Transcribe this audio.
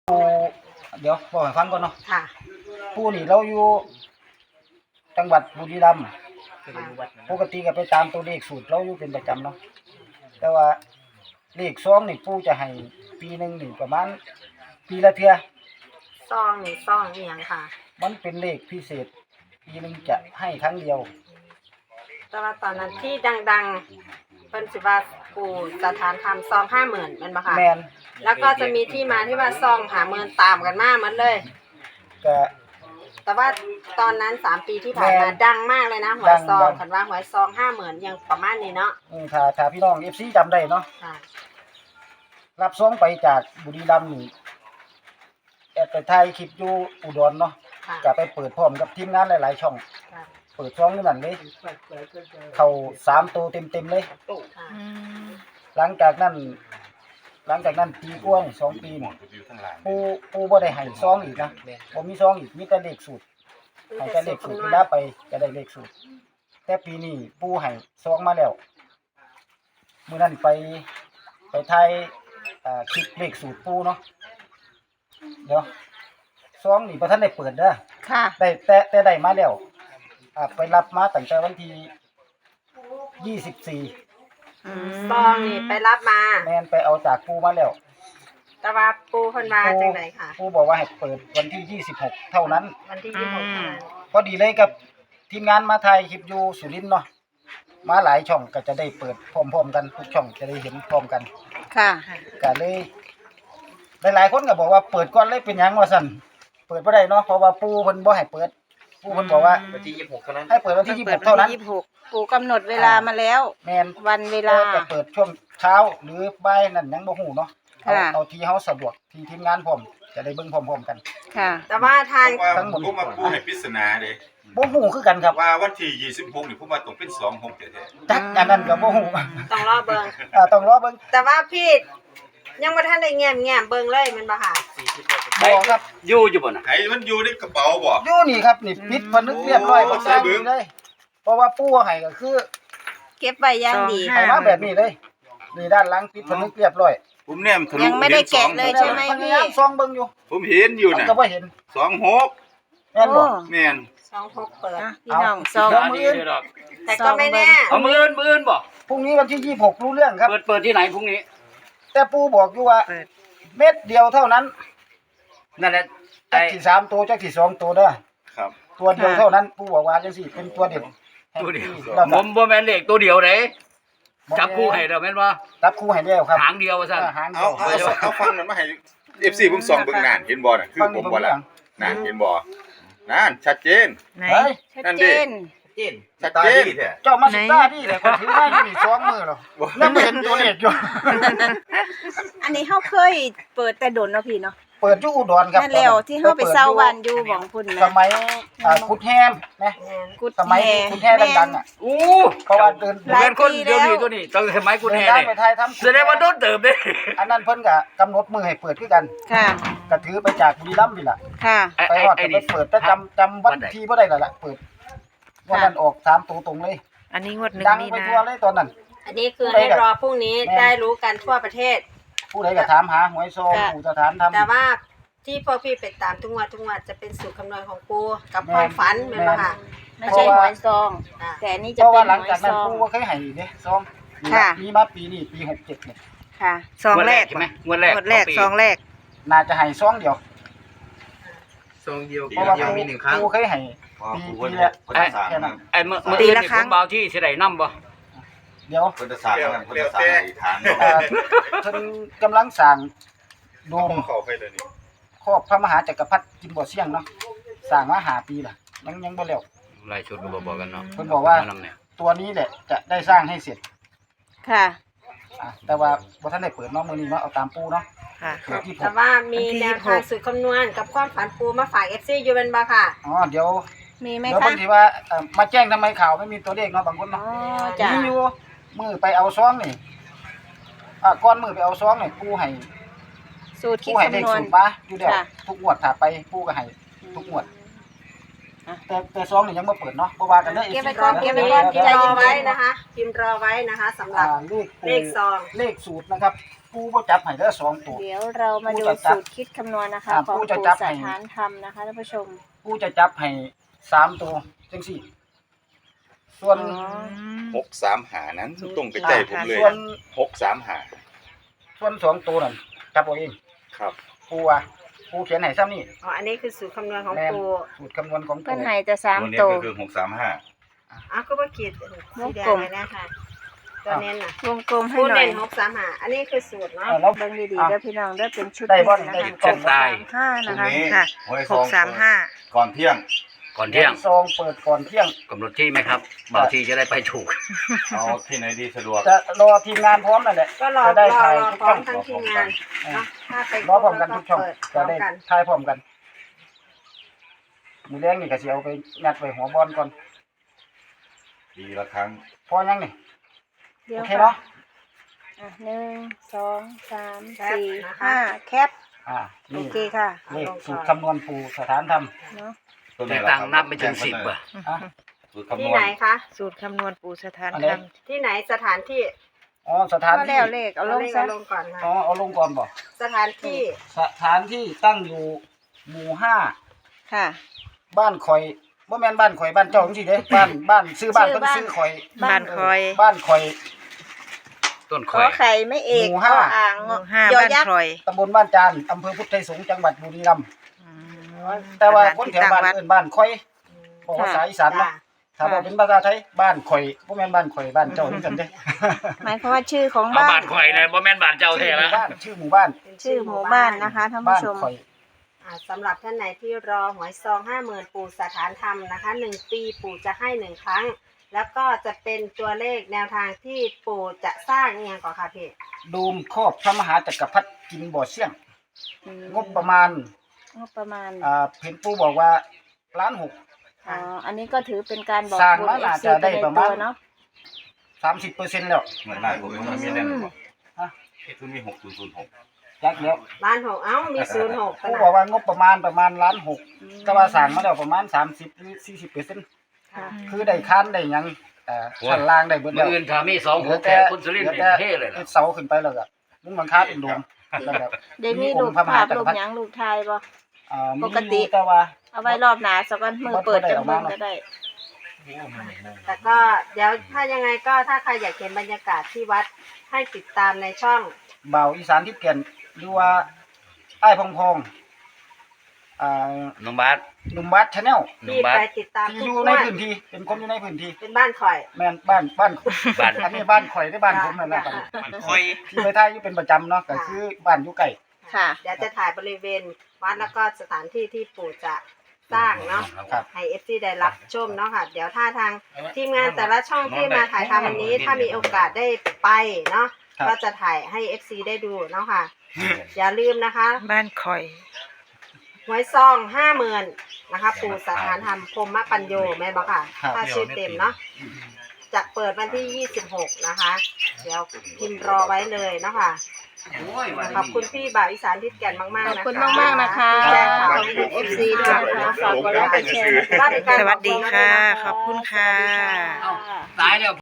ปูเดี๋ยวบอกให้ฟังก่อนเนาะค่ะปูนี่เราอยู่จังหวัดบุรีรัมย์ปกติก็ไปตามตัวเลขสูตรเราอยู่เป็นประจำเนาะแต่ว่าเลขซองนี่ปูจะให้ปีหนึ่งนี่ประมาณปีละเทื่อซองนี่ซองอีหยังค่ะมันเป็นเลขพิเศษปีหนึ่งจะให้ครั้งเดียวแต่ว่าตอนนั้นที่ดังๆเป็นสิว่าปู่สถานธรรมซอง50,000แม่นบ่ค่ะแมนแล้วก็จะมีที่มาที่ว่าซอง50,000ตามกันมาหมดเลยก็แต่ว่าตอนนั้น3 ปีที่ผ่านมาดังมากเลยนะหวยซองคันว่าหวยซอง50,000ยังประมาณนี้เนาะถ้าพี่น้อง FC จำได้เนาะค่ะรับซองไปจากบุรีรัมย์นี่แอดไปถ่ายคลิปอยู่อุดรเนาะก็ไปเปิดพร้อมกับทีมงานหลายๆช่องเปิดช่องนั่นเลยเข้า3ตัวเต็มๆเลยหลังจากนั้นปีกว่า2 ปีนี่ปูบ่ได้ให้ซองอีกนะบ่มีซองอีกมีแต่เลขสูตรให้แต่เลขสูตรเวลาไปจะได้เลขสูตรแต่ปีนี้ปูให้ซองมาแล้วมื้อนั้นไปถ่ายคลิปเลขสูตรปูเนาะเดี๋ยวซองนี่บ่ทันได้เปิดเด้อค่ะได้แต่ได้มาแล้วไปรับมาตั้งแต่วันที่24 ซองนี่ไปรับมาแม่นไปเอาจากปูมาแล้วแต่ว่าปูเพิ่นว่าจังได๋ค่ะปูบอกว่าให้เปิดวันที่26เท่านั้นวันที่26เท่านั้นพอดีเลยกับทีมงานมาถ่ายคลิปอยู่สุรินทร์เนาะมาหลายช่องก็จะได้เปิดพร้อมๆกันทุกช่องจะได้เห็นพร้อมกันค่ะก็เลยหลายๆคนก็บอกว่าเปิดก่อนเลยเป็นหยังว่าซั่นเปิดบ่ได้เนาะเพราะว่าปูเพิ่นบ่ให้เปิดปูเพิ่นบอกว่าวันที่26เท่านั้นให้เปิดวันที่26เท่านั้นปู่กำหนดเวลามาแล้วแม่นวันเวลาจะเปิดช่วงเช้าหรือบ่ายนั่นยังบ่ฮู้เนาะเอาที่เฮาสะดวกที่ทีมงานพร้อมจะได้เบิ่งพร้อมๆกันค่ะแต่ว่าทางทั้งหมดผมมาปูให้ปริศนาเด้บ่ฮู้คือกันครับว่าวันที่26นี่ผมว่าต้องเป็น26แท้ๆจักอันนั้นก็บ่ฮู้ต้องรอเบิ่งต้องรอเบิ่งแต่ว่าพี่ยังบ่ทันได้แง้มเบิ่งเลยแม่นบ่ค่ะบ่ครับอยู่บ่น่ะไอ้มันอยู่ในกระเป๋าบ่อยู่นี่ครับนี่ปิดผนึกเรียบร้อยบ่ใส่เบิ่งเลยเพราะว่าปู่ให้ก็คือเก็บไว้อย่างดีให้มาแบบนี้เลยนี่ด้านหลังปิดผนึกเรียบร้อยผมแนมทะลุยังไม่ได้แกะเลยใช่ไหมพี่ซองเบิ่งอยู่ผมเห็นอยู่น่ะก็บ่เห็น 26 แม่นบ่แม่น 26เปิดพี่น้องซองแต่ก็ไม่แน่เอามื้ออื่นบ่พรุ่งนี้วันที่26รู้เรื่องครับเปิดที่ไหนพรุ่งนี้แต่ปู่บอกอยู่ว่าเม็ดเดียวเท่านั้นนั่นแหละจักสิ3ตัวจักสิ2ตัวเด้อครับตัวเดียวเท่านั้นปู่บอกว่าจังซี่เป็นตัวเดียวตัวเดียวผมบ่แม่นเลขตัวเดียวเด้จับคู่ให้เด้อแม่นบ่จับคู่ให้แล้วครับหางเดียวว่าซั่นเอาฟังนั้นมาให้ FC ผมส่องเบิ่งนั่นเห็นบ่น่ะคือผมบ่ล่ะนั่นเห็นบ่นั่นชัดเจนไหนชัดเจนชัดเจนเจ้ามาสิตาดิแหละคนถือมาอยู่นี่2มื้อแล้วยังบ่เห็นตัวเลขอยู่อันนี้เฮาเคยเปิดแต่โดนเนาะพี่เนาะเปิดอยู่อุดรครับนั่นแล้วที่เฮาไปเซาบ้านอยู่หม่องพุ่นนะสมัยกุดแฮมนะสมัยกุดแฮมดังๆอ่ะเพราะว่าเดินคนเดียวนี่ตัวนี้ตั้งสมัยกุดแฮนี่ไปถ่ายทำแสดงว่าโดนเติบเด้อันนั้นเพิ่นก็กำหนดมื้อให้เปิดคือกันค่ะก็ถือไปจากบุรีรัมย์นี่ล่ะค่ะไปฮอดก็ไปเปิดแต่จำวันที่บ่ได้แล้วล่ะเปิดวันนั้นออก3ตัวตรงเลยอันนี้งวด1 ดังไปทั่วเลยตอนนั้นอันนี้คือให้รอพรุ่งนี้ได้รู้กันทั่วประเทศผู้ใดก็ถามหาหวยซองปู่สถานธรรมแต่ว่าที่พวกพี่ไปตามทุกงวดจะเป็นสูตรคำนวณของปู่กับความฝันแม่นบ่ค่ะไม่ใช่หวยซองแต่อันนี้จะเป็นหวยซองหลังจากนั้นปู่ก็เคยให้เด้ซองมีมาปีนี้ปี67เนี่ยค่ะซองแรกใช่มั้ยงวดแรกซองแรกน่าจะให้ซองเดียวเพราะว่ามี1ครั้งปู่เคยให้ปีละแค่นั้นมื้อนี้ผมเบาที่สิได้นำบ่เดี๋ยวเพิ่นจะสร้างนั่นเพิ่นจะสร้างฐานเพิ่นกำลังสร้างโดมเข้าไปเลยนี่ครอบพระมหาจักรพรรดิกิมบ่อเสี่ยงเนาะสร้างมา5 ปีล่ะยังบ่แล้วรายชุดบ่บอกกันเนาะเพิ่นบอกว่าตัวนี้แหละจะได้สร้างให้เสร็จค่ะแต่ว่าบ่ทันได้เปิดเนาะมื้อนี้เนาะเอาตามปู่เนาะค่ะแต่ว่ามีแนวทางสูตรคำนวณกับความฝันปู่มาฝาก FC อยู่เป็นบ่ค่ะเดี๋ยวมีไหมคะเดี๋ยวเพิ่นสิว่ามาแจ้งทำไมข่าวไม่มีตัวเลขเนาะบางคนเนาะมีอยู่มื้อไปเอาซองนี่ก่อนมื้อไปเอาซองนี่ปู่ให้สูตรคิดคำนวณมาอยู่แล้วทุกงวดถ้าไปปู่ก็ให้ทุกงวดแต่ซองนี่ยังบ่เปิดเนาะบ่ว่ากันเด้อเก็บไว้ก่อนพิมพ์รอไว้นะคะสำหรับเลขซองเลขสูตรนะครับปู่ผู้บ่จับให้เด้อ2ตัวเดี๋ยวเรามาดูผู้จะจับสูตรคิดคำนวณนะคะอ่าของผู้จะปู่จับสให้ถานธรรมนะคะท่านผู้ชมผู้จะจับให้3ตัวจังซี่ส่วน 635นั้นตรงไปใจผมเลยส่วน 635 ส่วน2ตัวนั่นจับเอาเองครับผู้ว่าผู้เขียนให้ซ้ำนี่อ๋ออันนี้คือสูตรคำนวณของแม่นปูสูตรคำนวณของเพื่อนปู่ให้แต่ตัว 3 นี้ตัวก็คือ635 อ้าวก็ว่าขีดสีแดงเลยนะคะตัวเน้นน่ะวงกลมให้ปูหน่อเน้ยน635อันนี้คือสูตรเนาะแล้วเบิ่งดีๆเด้อพี่น้องเด้อเป็นชุดได้บ่นะได้คะกล่องได้ 5 ตรนะงคะนี้ค่ะหวยซอง 635 ก่อนเที่ยงก่อนเที่ยงซองเปิดก่อนเที่ยงกำหนดที่ไหมครับบางทีจะได้ไปถูกเอาที่ไหนดีสะดวกจะรอทีมงานพร้อมนั่นแหละก็รอจะได้รอถ่ายรอทุกพร้อช่อมงทั้งทีมงานเนาะถ้าไปรอพร้อมกันทุกช่องเปิดพจะร้อมได้กันถ่ายพร้อมกันมือแรงนี่ก็สิเอาไปงัดไปหัวบอลก่อนดีละครั้งพอยังนี่เดี๋ยโอวเคค่ะเนาะ 1 2 3 4 5 แคปนี่โอเคค่ะเลขสูตรคำนวณปู่สถานธรรมเนาะแต่ตังค์นับไม่ถึง10 อ่ะอ่ะสูตรคำนที่วไหนณคะสูตรคำนวณปู่สถานอันธนี้รรมที่ไหนสถานที่อ๋อสถานก็ที่แล้วเลขเอาลงเลขซะเอาลงก่อนค่ะอ๋อเอาลงก่อนบ่สถานที่สถานที่ตั้งอยู่หมู่5 ค่ะบ้านข่อยบ่แม่นบ้านข่อยบ้านเจ้าจังซี่เด้บ้านชื่อบ้านชื่อเพิ่นบ้านชื่อข่อยบ้านคอยบ้านข่อยต้นขข่ออย ไข่ไม่เอกหมู่ขห้าออ่างหมู่ห้ายอบ้านยักษ์คอยตำบลบ้านจานอำเภอพุทธไทยสงฆ์จังหวัดบุรีรัมย์แต่ว่าคนแถวบ้านเอิ้นบ้านข่อยบอกภาษาอีสานจ้ะเนาะถ้าบอกเป็นภาษาไทยบ้านข่อยบ่แม่นบ้านข่อยบ้านเจ้าจังซั่นเด้หมายความว่าชื่อของเอาบ้าบ้าน นข่อยเลยบ่แม่นบ้านเจ้าชื่แท้อหมู่ละบ้านชื่อหมู่บ้านเป็นชื่อหมู่บ้านนะคะท่านบ้าผู้นชมข่อยสำหรับท่านไหนที่รอหวยซอง50,000ปู่สถานธรรมนะคะ1 ปีปู่จะให้1 ครั้ง แล้วก็จะเป็นตัวเลขแนวทางที่ปู่จะสร้างเอียงก่อนค่ะพี่ดูมครอบพระมหาจักรพรรดิกินบ่อเสี่ยงงบประมาณงบประมาณเห็นปู่บอกว่าล้านหกอ๋ออันนี้ก็ถือเป็นการบอกสร้างบุญมาเอน่าฟซีจะไปได้ในประมาตัณวเนาะ 30%แล้วเหมือนได้ผมมันมีแน่นอนฮะคือมี6006 จักแล้วล้านหกเอ้ามี06ขปู่นาบอกดว่างบประมาณล้านหกแต่ว่าสร้างมาแล้วประมาณ30หรือ40% ค่ะคือได้ค้านได้หยังชั้นล่างได้เบิดมื้แล้อวอื่นถ้ามี2 6แก่คุณสุรินทร์นี่เท่เลยล่ะเสาขึ้นไปแล้วก็มุ้งหลังคาเป็นโดมแล้วก็เดี๋ยวมีรูปภาพรูปหยังรูปไทยบ่มีปกติอยู่แต่ว่าเอาไว้รอบหน้าสักวันมือเปิดจังเบิ่งก็ได้แต่ก็เดี๋ยวถ้ายังไงก็ถ้าใครอยากเห็นบรรยากาศที่วัดให้ติดตามในช่องเบาอีสานทิศแก่นหรือว่าไอ้ายพองพองน้องบาสหนุ่มบัสชาแนลน้องที่บาสไปติดตามที่ทุอก ยู่งในวดพื้นที่เป็นคนอยู่ในพื้นที่เป็นบ้านข่อยแม่นบ้านบ้านอันนี้บ้านข่อยได้บ้านผมนั่นแหละครับมันค่อยที่ไปท่ายอยู่เป็นประจำเนาะก็คือบ้านอยู่ใกล้ค่ะเดี๋ยวจะถ่ายบริเวณวัดแล้วก็สถานที่ที่ปู่จะสร้างเนาะครับให้ FC ได้รับชมเนาะค่ะ เดี๋ยวถ้าทางทีมงานแต่ละช่องที่มาถ่ายทำวันนี้ ถ้ามีโอกาสได้ไปเนาะครับก็จะถ่ายให้ FC ได้ดูเนาะค่ะ อย่าลืมนะคะบ้านคอยหวยซอง 50,000นะคะ ปู่สถานธรรมพรหมปัญโยแม่นบอกค่ะครับถ้าชื่อเต็มเนาะจะเปิดวันที่ 26 นะคะ เดี๋ยวพิมพ์รอไว้เลยเนาะค่ะ ขอบคุณพี่บ่าวอีสานทิศแก่นมากๆขอบนะคะคุณมากๆนะคะแจ้งข่าวขอบคุณ FC ด้วยนะคะฝากกดไลค์กดแชร์นะคะว่าเป็นการสวัสดีค่ะบอกขอบคุณค่ะสวัสดีค่ะตายแล้ว